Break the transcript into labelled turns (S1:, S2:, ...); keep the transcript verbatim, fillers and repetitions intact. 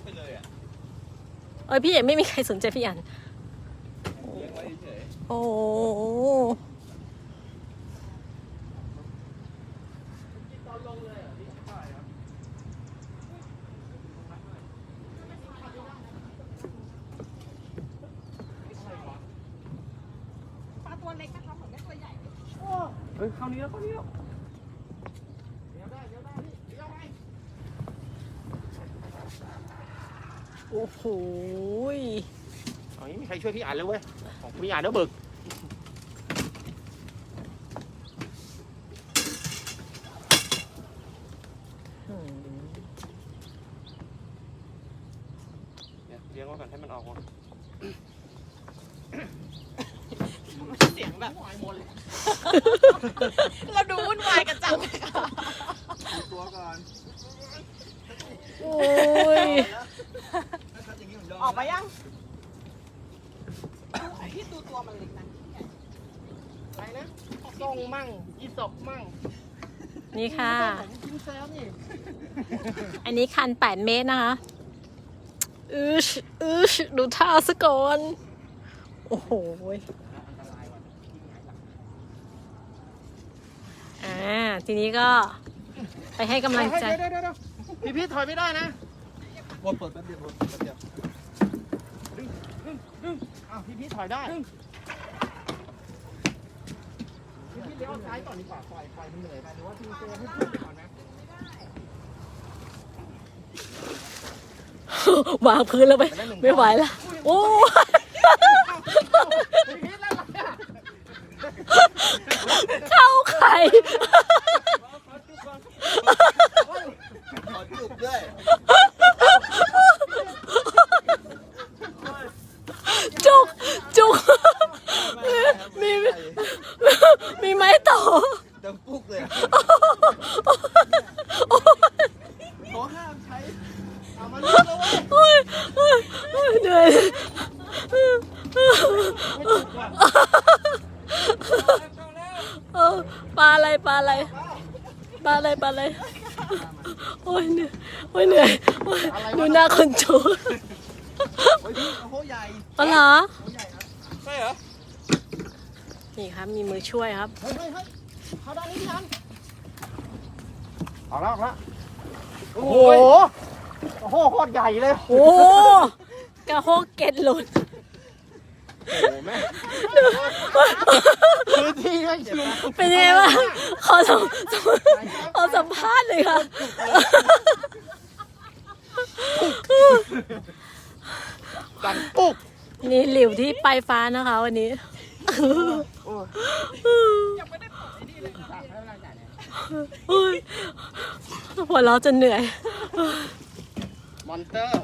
S1: ไปเลยอ่ะ
S2: เอ้ยพี่เอกไม่มีใครสนใจพี่อันโอ้
S1: เฮ้ยเข้านี้แล้วเข้านี้แล้วเดี๋ยวได้เดี๋ยวได้เดี๋ยวได้
S2: โอ้โห
S1: เอางี้มีใครช่วยพี่อ่านเลยเว้ยของพี่อ่านแล้วบึกเดี๋ยวเลี้ยงไว้ก่อนให้มันออกมา
S3: เสียงแบบเราดูวุ่นวายกันจังเลยค่ะ
S1: ดูตัวก่อน
S2: โอ้ย
S3: ออกมายังพี่ดูตัวมันเล็กนะอะไรนะส่งมั่งอีศพมั่ง
S2: นี่ค่ะ
S3: กินแซวนี่
S2: อันนี้คันแปดเมตรนะคะอืชอืชดูท่าซะก่อนโอ้โหอ่าทีนี้ก็ไปให้กำลังใจ
S1: พี่พี่ถอยไม่ได้นะวนเปิดแป๊บเดียววนแป๊บเดียวดึงดึงดึงอ้าวพี่พี่ถอยได้พี่พี่เลี้ยวซ้ายก่อนดีกว่าปล่อยปล่อยมันเหนื่อยไปหรือว่าพี่เจให้เพื่อนไปก่อนนะ
S2: วางพื้นแล้วไปไม่ไหวแล้วโอ้เข้าไข่
S1: ขอจุกด้วย
S2: จุกจุกมีมีไม้ต่อ
S1: ดังปุ๊กเลยขอห้ามใช้เอามาเล่นแล้วเว้ย
S2: เหนื่อยปลาอะไรปลาอะไรปลาอะไรปลาอะไรโอ้ยเหนื่อยโอ้ยเหนื่อยดูหน้าคนจู
S1: โอ้ยพี่โหใหญ่
S2: อ๋อเหรอ
S1: ใช่เหรอ
S2: นี่ครับมีมือช่วยครับ
S1: เฮ้ยเฮ้ยเฮ้ยเขาได้นี่ยังออกแล้วออกแล้วโอ้โหโอ้โหโคตรใหญ่เลย
S2: โอ้กระโฮกเก็ดหลุด
S1: โอ้แม่พื้นที่ไม่ชิม
S2: เป็นยังไงบ้างขอสัมขอสัมภาษณ์เลยค่ะ
S1: ดังปุ๊ก
S2: นี่หลิวที่ปลายฟ้านะคะวันนี้พอเราจะเหนื่อย
S1: มอนเตอร์